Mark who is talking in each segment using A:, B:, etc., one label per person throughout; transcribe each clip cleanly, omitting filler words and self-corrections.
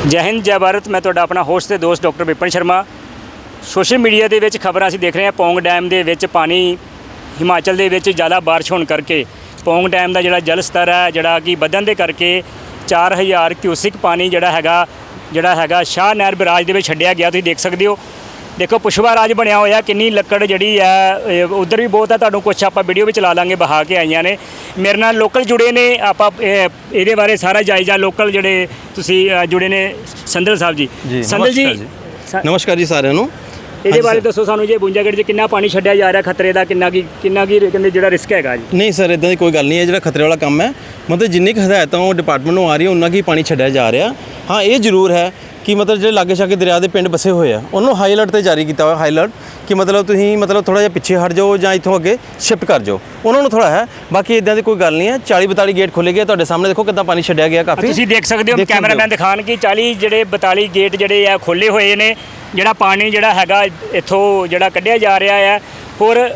A: ਜੈ ਹਿੰਦ ਜੈ ਭਾਰਤ। ਮੈਂ ਤੁਹਾਡਾ ਆਪਣਾ ਹੋਸਟ ਤੇ ਦੋਸਤ doctor Vipan Sharma. Social media ਦੇ ਵਿੱਚ ਖਬਰਾਂ ਅਸੀਂ ਦੇਖ ਰਹੇ ਹਾਂ, ਪੌਂਗ ਡੈਮ ਦੇ ਵਿੱਚ ਪਾਣੀ ਹਿਮਾਚਲ ਦੇ ਵਿੱਚ ਜ਼ਿਆਦਾ ਬਾਰਿਸ਼ ਹੋਣ ਕਰਕੇ ਪੌਂਗ ਡੈਮ ਦਾ ਜਿਹੜਾ ਜਲ ਸਤਰ ਹੈ ਜਿਹੜਾ ਕਿ ਵਧਣ ਦੇ ਕਰਕੇ 4000 ਕਿਊਸਿਕ ਪਾਣੀ ਜਿਹੜਾ ਹੈਗਾ ਸ਼ਾਹ ਨਹਿਰ ਬਰਾਜ ਦੇ ਵਿੱਚ ਛੱਡਿਆ ਗਿਆ। ਤੁਸੀਂ ਦੇਖ ਸਕਦੇ ਹੋ, ਦੇਖੋ ਪੁਸ਼ਪਾ ਰਾਜ ਬਣਿਆ ਹੋਇਆ, ਕਿੰਨੀ ਲੱਕੜ ਜਿਹੜੀ ਹੈ ਉਧਰ ਵੀ ਬਹੁਤ ਹੈ। ਤੁਹਾਨੂੰ ਕੁਛ ਆਪਾਂ ਵੀਡੀਓ ਵੀ ਚਲਾ ਲਾਂਗੇ, ਬਹਾ ਕੇ ਆਈਆਂ ਨੇ। ਮੇਰੇ ਨਾਲ ਲੋਕਲ ਜੁੜੇ ਨੇ, ਆਪਾਂ ਇਹਦੇ ਬਾਰੇ ਸਾਰਾ ਜਾਇਜ਼ਾ ਲੋਕਲ ਜਿਹੜੇ ਤੁਸੀਂ ਜੁੜੇ ਨੇ ਸੰਦਲ ਸਾਹਿਬ ਜੀ। ਸੰਦਲ ਜੀ
B: ਨਮਸਕਾਰ ਜੀ ਸਾਰਿਆਂ ਨੂੰ।
A: ਇਹਦੇ ਬਾਰੇ ਦੱਸੋ ਸਾਨੂੰ ਜੀ, ਬੁੰਜਾਗੜ 'ਚ ਕਿੰਨਾ ਪਾਣੀ ਛੱਡਿਆ ਜਾ ਰਿਹਾ, ਖਤਰੇ ਦਾ ਕਿੰਨਾ ਕੀ ਕਹਿੰਦੇ ਜਿਹੜਾ ਰਿਸਕ ਹੈਗਾ ਜੀ?
B: ਨਹੀਂ ਸਰ, ਇਦਾਂ ਦੀ ਕੋਈ ਗੱਲ ਨਹੀਂ ਹੈ। ਜਿਹੜਾ ਖਤਰੇ ਵਾਲਾ ਕੰਮ ਹੈ, ਮਤਲਬ ਜਿੰਨੀ ਕੁ ਹਦਾਇਤਾਂ ਉਹ ਡਿਪਾਰਟਮੈਂਟ ਨੂੰ ਆ ਰਹੀ ਉਹਨਾਂ ਕੀ ਪਾਣੀ ਛੱਡਿਆ ਜਾ ਰਿਹਾ। ਹਾਂ, ਇਹ ਜ਼ਰੂਰ ਹੈ ਕਿ ਮਤਲਬ ਜਿਹੜੇ ਲਾਗੇ ਛਾਗੇ ਦਰਿਆ ਦੇ ਪਿੰਡ ਬਸੇ ਹੋਏ ਆ ਉਹਨਾਂ ਨੂੰ ਹਾਈ ਅਲਰਟ 'ਤੇ ਜਾਰੀ ਕੀਤਾ ਹੋਇਆ। ਹਾਈ ਅਲਰਟ ਕਿ ਮਤਲਬ ਤੁਸੀਂ ਥੋੜ੍ਹਾ ਜਿਹਾ ਪਿੱਛੇ ਹਟ ਜਾਓ ਜਾਂ ਇੱਥੋਂ ਅੱਗੇ ਸ਼ਿਫਟ ਕਰ ਜਾਓ, ਉਹਨਾਂ ਨੂੰ ਥੋੜ੍ਹਾ ਹੈ। ਬਾਕੀ ਇਦਾਂ ਦੀ ਕੋਈ ਗੱਲ ਨਹੀਂ ਹੈ। 40-42 ਗੇਟ ਖੋਲ੍ਹੇ ਗਏ ਤੁਹਾਡੇ ਸਾਹਮਣੇ, ਦੇਖੋ ਕਿੱਦਾਂ ਪਾਣੀ ਛੱਡਿਆ ਗਿਆ। ਕਾਫੀ ਤੁਸੀਂ
A: ਦੇਖ ਸਕਦੇ ਹੋ, ਕੈਮਰਾਮੈਨ ਦਿਖਾਣ ਕਿ 42 ਗੇਟ ਜਿਹੜੇ ਆ ਖੋਲ੍ਹੇ ਹੋਏ ਨੇ। ਜਿਹੜਾ ਪਾਣੀ ਜਿਹੜਾ ਹੈਗਾ ਇੱਥੋਂ ਜਿਹੜਾ ਕੱਢਿਆ ਜਾ ਰਿਹਾ ਹੈ। ਹੋਰ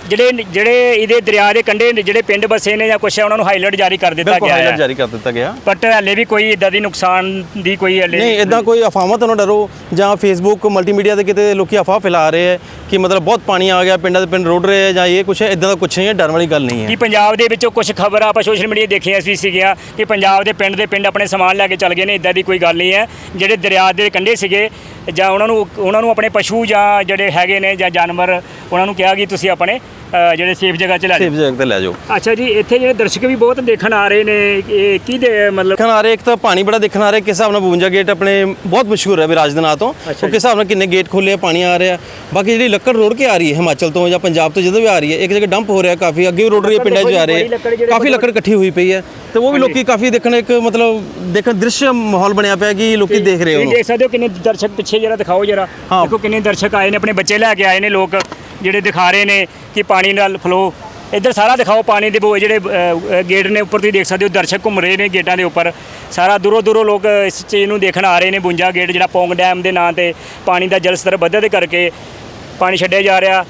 A: ਜਿਹੜੇ ਇਹਦੇ ਦਰਿਆ ਦੇ ਕੰਢੇ ਜਿਹੜੇ ਪਿੰਡ ਬਸੇ ਨੇ ਜਾਂ ਕੁਛ ਹੈ, ਉਹਨਾਂ ਨੂੰ ਹਾਈ ਅਲਰਟ ਜਾਰੀ ਕਰ ਦਿੱਤਾ ਗਿਆ ਹੈ।
B: ਜਾਰੀ ਕਰ ਦਿੱਤਾ ਗਿਆ,
A: ਬਟ ਹਲੇ ਵੀ ਕੋਈ ਇਦਾਂ ਦੀ ਨੁਕਸਾਨ ਦੀ ਕੋਈ ਹਲੇ
B: ਨਹੀਂ। ਇਦਾਂ ਕੋਈ ਅਫਵਾਹਾਂ ਤੋਂ ਨਾ ਡਰੋ, ਜਾਂ ਫੇਸਬੁੱਕ ਮਲਟੀਮੀਡੀਆ ਤੇ ਕਿਤੇ ਲੋਕੀ ਅਫਵਾਹ ਫੈਲਾ ਰਹੇ ਹੈ ਕਿ ਮਤਲਬ ਬਹੁਤ ਪਾਣੀ ਆ ਗਿਆ, ਪਿੰਡਾਂ ਦੇ ਪਿੰਡ ਰੁੜ ਰਹੇ ਹੈ ਜਾਂ ਇਹ ਕੁਛ ਹੈ। ਇਦਾਂ ਦਾ ਕੁਛ ਨਹੀਂ ਹੈ, ਡਰਨ ਵਾਲੀ ਗੱਲ ਨਹੀਂ ਹੈ।
A: ਕਿ ਪੰਜਾਬ ਦੇ ਵਿੱਚੋਂ ਕੁਝ ਖਬਰਾਂ ਆਪਾਂ ਸੋਸ਼ਲ ਮੀਡੀਆ ਦੇਖੀਆਂ ਸੀਗੀਆਂ ਕਿ ਪੰਜਾਬ ਦੇ ਪਿੰਡ ਆਪਣੇ ਸਮਾਨ ਲੈ ਕੇ ਚੱਲ ਗਏ ਨੇ। ਇਦਾਂ ਦੀ ਕੋਈ ਗੱਲ ਨਹੀਂ ਹੈ। ਜਿਹੜੇ ਦਰਿਆ ਦੇ ਕੰਢੇ ਸੀਗੇ ਜਾਂ ਉਹਨਾਂ ਨੂੰ ਆਪਣੇ ਪਸ਼ੂ ਜਾਂ ਜਿਹੜੇ ਹੈਗੇ ਨੇ ਜਾਂ ਜਾਨਵਰ, ਉਹਨਾਂ ਨੂੰ ਕਿਹਾ ਕਿ ਤੁਸੀਂ ਆਪਣੇ ਜਿਹੜੇ ਸੇਫ ਜਗ੍ਹਾ 'ਚ ਲੈ
B: ਜਾਓ।
A: ਅੱਛਾ ਜੀ, ਇੱਥੇ ਜਿਹੜੇ ਦਰਸ਼ਕ ਵੀ ਬਹੁਤ ਦੇਖਣ ਆ ਰਹੇ ਨੇ, ਇਹ ਕੀ ਮਤਲਬ
B: ਦੇਖਣ ਆ ਰਹੇ? ਇੱਕ ਤਾਂ ਪਾਣੀ ਬੜਾ ਦੇਖਣ ਆ ਰਿਹਾ। ਕਿਸ ਹਿਸਾਬ ਨਾਲ 52 ਗੇਟ ਆਪਣੇ ਬਹੁਤ ਮਸ਼ਹੂਰ ਹੈ ਵਿਰਾਜ ਦੇ ਨਾਂ ਤੋਂ। ਉਹ ਕਿਸ ਹਿਸਾਬ ਨਾਲ ਕਿੰਨੇ ਗੇਟ ਖੋਲ੍ਹੇ ਆ, ਪਾਣੀ ਆ ਰਿਹਾ। ਬਾਕੀ ਜਿਹੜੀ ਲੱਕੜ ਰੋੜ ਕੇ ਆ ਰਹੀ ਹੈ ਹਿਮਾਚਲ ਤੋਂ ਜਾਂ ਪੰਜਾਬ ਤੋਂ ਜਦੋਂ ਵੀ ਆ ਰਹੀ ਹੈ, ਇੱਕ ਜਗ੍ਹਾ ਡੰਪ ਹੋ ਰਿਹਾ, ਕਾਫੀ ਅੱਗੇ ਵੀ ਰੋੜ ਰਹੀ ਹੈ, ਪਿੰਡਾਂ 'ਚ ਜਾ ਰਹੇ ਹੈ। ਕਾਫੀ ਲੱਕੜ ਇਕੱਠੀ ਹੋਈ ਪਈ ਹੈ ਤੇ ਉਹ ਵੀ ਲੋਕੀ ਕਾਫੀ ਦੇਖਣ, ਇੱਕ ਮਤਲਬ ਦੇਖਣ ਦ੍ਰਿਸ਼ ਮਾਹੌਲ ਬਣਿਆ ਪਿਆ ਕਿ ਲੋਕੀ ਦੇਖ ਰਹੇ ਹੋ।
A: ਦੇਖ ਸਕਦੇ ਹੋ ਕਿੰਨੇ ਦਰਸ਼ਕ ਪਿੱਛੇ ਜਰਾ ਦਿਖਾਓ ਜਰਾ। ਦੇਖੋ ਕਿੰਨੇ ਦਰਸ਼ਕ ਆਏ ਨੇ, ਆਪਣੇ ਬੱਚੇ ਲੈ ਕੇ ਆਏ ਨੇ ਲੋਕ, ਜਿਹੜੇ ਦਿਖਾ ਰਹੇ ਨੇ ਕਿ ਪਾਣੀ ਨਾਲ ਫਲੋ ਇੱਧਰ ਸਾਰਾ ਦਿਖਾਓ। ਪਾਣੀ ਦੇ ਜਿਹੜੇ ਗੇਟ ਨੇ ਉੱਪਰ ਤੁਸੀਂ ਦੇਖ ਸਕਦੇ ਹੋ, ਦਰਸ਼ਕ ਘੁੰਮ ਰਹੇ ਨੇ ਗੇਟਾਂ ਦੇ ਉੱਪਰ। ਸਾਰਾ ਦੂਰੋਂ ਲੋਕ ਇਸ ਚੀਜ਼ ਨੂੰ ਦੇਖਣ ਆ ਰਹੇ ਨੇ। 52 ਗੇਟ ਜਿਹੜਾ ਪੌਂਗ ਡੈਮ ਦੇ ਨਾਂ 'ਤੇ ਪਾਣੀ ਦਾ ਜਲ ਸਤਰ ਵਧਣ ਦੇ ਕਰਕੇ ਪਾਣੀ ਛੱਡਿਆ ਜਾ ਰਿਹਾ।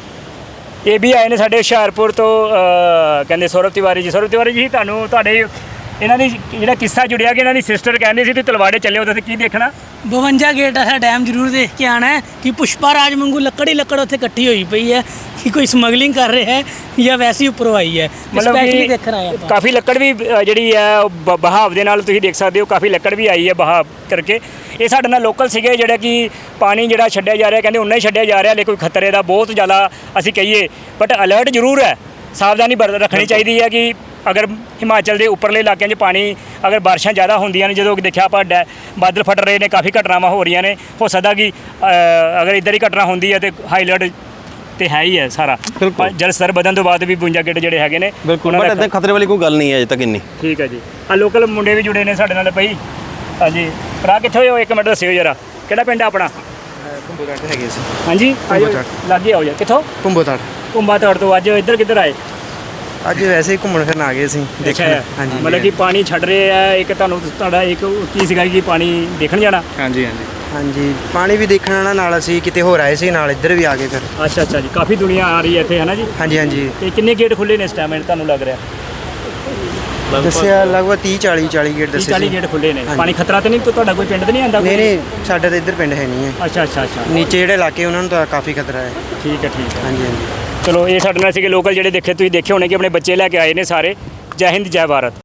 A: ਇਹ ਵੀ ਆਏ ਨੇ ਸਾਡੇ ਹੁਸ਼ਿਆਰਪੁਰ ਤੋਂ, ਕਹਿੰਦੇ ਸੌਰਵ ਤਿਵਾਰੀ ਜੀ। ਤੁਹਾਡੇ ਇਹਨਾਂ ਦੀ ਜਿਹੜਾ ਕਿੱਸਾ ਜੁੜਿਆ ਕਿ ਇਹਨਾਂ ਦੀ ਸਿਸਟਰ ਕਹਿੰਦੇ ਸੀ ਤੁਸੀਂ ਤਲਵਾੜੇ ਚੱਲੇ ਹੋ, ਤੁਸੀਂ ਕੀ ਦੇਖਣਾ?
C: 52 ਗੇਟ ਹੈ ਡੈਮ ਜ਼ਰੂਰ ਦੇਖ ਕੇ ਆਉਣਾ ਹੈ ਕਿ ਪੁਸ਼ਪਾ ਰਾਜ ਵਾਂਗੂ ਲੱਕੜ ਹੀ ਲੱਕੜ ਉੱਥੇ ਇਕੱਠੀ ਹੋਈ ਪਈ ਹੈ ਕਿ ਕੋਈ ਸਮਗਲਿੰਗ ਕਰ ਰਿਹਾ ਹੈ ਜਾਂ ਵੈਸੇ ਹੀ ਉੱਪਰੋਂ ਆਈ ਹੈ। ਸਪੈਸ਼ਲੀ ਦੇਖਣ ਆਏ ਆਪਾਂ।
A: ਕਾਫੀ ਲੱਕੜ ਵੀ ਜਿਹੜੀ ਹੈ ਬਹਾਵ ਦੇ ਨਾਲ ਤੁਸੀਂ ਦੇਖ ਸਕਦੇ ਹੋ, ਕਾਫੀ ਲੱਕੜ ਵੀ ਆਈ ਹੈ ਬਹਾਵ ਕਰਕੇ। ਇਹ ਸਾਡੇ ਨਾਲ ਲੋਕਲ ਸੀਗੇ ਜਿਹੜਾ ਕਿ ਪਾਣੀ ਜਿਹੜਾ ਛੱਡਿਆ ਜਾ ਰਿਹਾ, ਕਹਿੰਦੇ ਉਨਾ ਹੀ ਛੱਡਿਆ ਜਾ ਰਿਹਾ, ਲੇਕਿਨ ਖਤਰੇ ਦਾ ਬਹੁਤ ਜ਼ਿਆਦਾ ਅਸੀਂ ਕਹੀਏ। ਬਟ ਅਲਰਟ ਜ਼ਰੂਰ ਹੈ, ਸਾਵਧਾਨੀ ਰੱਖਣੀ ਚਾਹੀਦੀ ਹੈ ਕਿ ਅਗਰ ਹਿਮਾਚਲ ਦੇ ਉੱਪਰਲੇ ਇਲਾਕਿਆਂ 'ਚ ਪਾਣੀ ਅਗਰ ਬਾਰਿਸ਼ਾਂ ਜ਼ਿਆਦਾ ਹੁੰਦੀਆਂ ਨੇ, ਜਦੋਂ ਦੇਖਿਆ ਆਪਾਂ ਬਾਦਲ ਫਟ ਰਹੇ ਨੇ, ਕਾਫੀ ਘਟਨਾਵਾਂ ਹੋ ਰਹੀਆਂ ਨੇ, ਹੋ ਸਕਦਾ ਕਿ ਅਗਰ ਇੱਧਰ ਹੀ ਘਟਨਾ ਹੁੰਦੀ ਹੈ ਤਾਂ ਹਾਈ ਅਲਰਟ ਤੇ ਹੈ ਹੀ ਹੈ ਸਾਰਾ। ਜਲ ਸਤਰ ਵਧਣ ਤੋਂ ਬਾਅਦ ਵੀ 52 ਗੇਟ ਜਿਹੜੇ ਹੈਗੇ ਨੇ
B: ਬਿਲਕੁਲ, ਬਟ ਇੱਦਾਂ ਖਤਰੇ ਵਾਲੀ ਕੋਈ ਗੱਲ ਨਹੀਂ ਹੈ ਅਜੇ ਤੱਕ ਇੰਨੀ।
A: ਠੀਕ ਹੈ ਜੀ। ਆ ਲੋਕਲ ਮੁੰਡੇ ਵੀ ਜੁੜੇ ਨੇ ਸਾਡੇ ਨਾਲ ਭਾਈ। ਹਾਂਜੀ ਭਰਾ, ਕਿੱਥੇ ਹੋ? ਇੱਕ ਮਿੰਟ ਦੱਸਿਓ ਜਰਾ, ਕਿਹੜਾ ਪਿੰਡ ਆਪਣਾ?
D: ਕੁੰਭੋਤਾੜ ਹੈਗੇ ਸੀ।
A: ਹਾਂਜੀ, ਲਾਗੇ ਆਓ ਯਾਰ। ਕਿੱਥੋਂ? ਕੁੰਭੋਤਾੜ ਤੋਂ। ਅੱਜ ਇੱਧਰ ਕਿੱਧਰ ਆਏ?
D: ਅੱਜ ਵੈਸੇ ਹੀ ਘੁੰਮਣ ਫਿਰਨ ਆ ਗਏ ਸੀ ਦੇਖਣ। ਹਾਂਜੀ,
A: ਮਤਲਬ ਕਿ ਪਾਣੀ ਛੱਡ ਰਹੇ ਆ। ਇੱਕ ਤੁਹਾਡਾ ਇੱਕ ਕੀ ਸੀਗਾ ਕਿ ਪਾਣੀ ਦੇਖਣ ਜਾਣਾ?
D: ਹਾਂਜੀ, ਪਾਣੀ ਵੀ ਦੇਖਣ ਆਉਣਾ, ਨਾਲ ਅਸੀਂ ਕਿਤੇ ਹੋਰ ਆਏ ਸੀ, ਨਾਲ ਇੱਧਰ ਵੀ ਆ ਗਏ ਫਿਰ।
A: ਅੱਛਾ ਜੀ, ਕਾਫੀ ਦੁਨੀਆ ਆ ਰਹੀ ਹੈ ਇੱਥੇ, ਹੈ ਨਾ ਜੀ? ਹਾਂਜੀ। ਤੇ ਕਿੰਨੇ ਗੇਟ ਖੁੱਲੇ ਨੇ ਇਸ ਟਾਈਮ ਤੁਹਾਨੂੰ ਲੱਗ ਰਿਹਾ?
D: ਦੱਸਿਆ ਲਗਭਗ 30-40 ਗੇਟ ਦੱਸੇ।
A: 40 ਗੇਟ ਖੁੱਲੇ ਨੇ। ਪਾਣੀ ਖਤਰਾ ਤੇ ਨਹੀਂ ਤੁਹਾਡਾ ਕੋਈ ਪਿੰਡ ਤੇ ਨਹੀਂ ਆਉਂਦਾ?
D: ਨਹੀਂ, ਸਾਡਾ ਤਾਂ ਇੱਧਰ ਪਿੰਡ ਹੈ ਨਹੀਂ ਹੈ।
A: ਅੱਛਾ।
D: ਨੀਚੇ ਜਿਹੜੇ ਇਲਾਕੇ ਉਹਨਾਂ ਨੂੰ ਤਾਂ ਕਾਫੀ ਖਤਰਾ ਹੈ।
A: ਠੀਕ ਹੈ।
D: ਹਾਂਜੀ।
A: ਚਲੋ, ਇਹ ਸਾਡੇ ਨਾਲ ਸੀਗੇ ਲੋਕਲ ਜਿਹੜੇ ਤੁਸੀਂ ਦੇਖੇ ਹੋਣੇ ਕਿ ਆਪਣੇ ਬੱਚੇ ਲੈ ਕੇ ਆਏ ਨੇ ਸਾਰੇ। ਜੈ ਹਿੰਦ ਜੈ ਭਾਰਤ।